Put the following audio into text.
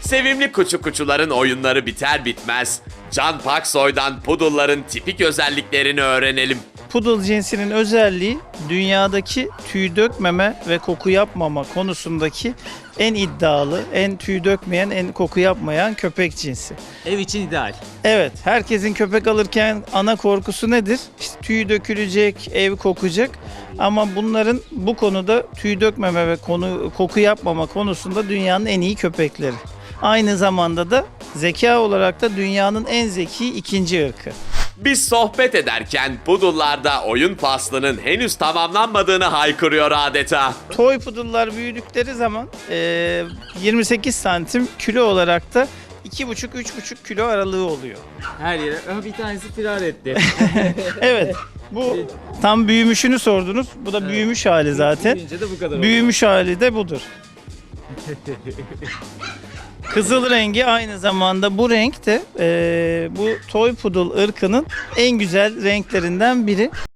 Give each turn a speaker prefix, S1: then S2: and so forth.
S1: Sevimli kuçuların oyunları biter bitmez Can Paksoy'dan Poodle'ların tipik özelliklerini öğrenelim.
S2: Poodle cinsinin özelliği dünyadaki tüy dökmeme ve koku yapmama konusundaki en iddialı, en tüy dökmeyen, en koku yapmayan köpek cinsi.
S3: Ev için ideal.
S2: Evet, herkesin köpek alırken ana korkusu nedir? İşte tüy dökülecek, ev kokacak. Ama bunların bu konuda tüy dökmeme ve koku yapmama konusunda dünyanın en iyi köpekleri. Aynı zamanda da zeka olarak da dünyanın en zeki ikinci ırkı.
S1: Biz sohbet ederken Poodle'larda oyun faslının henüz tamamlanmadığını haykırıyor adeta.
S2: Toy poodle'lar büyüdükleri zaman 28 santim, kilo olarak da 2,5-3,5 kilo aralığı oluyor.
S3: Her yere. Bir tanesi firar etti.
S2: Evet, bu tam büyümüşünü sordunuz. Bu da büyümüş hali zaten.
S3: Büyüyünce de bu kadar
S2: Büyümüş hali de budur. Kızıl rengi aynı zamanda bu renk de bu toy poodle ırkının en güzel renklerinden biri.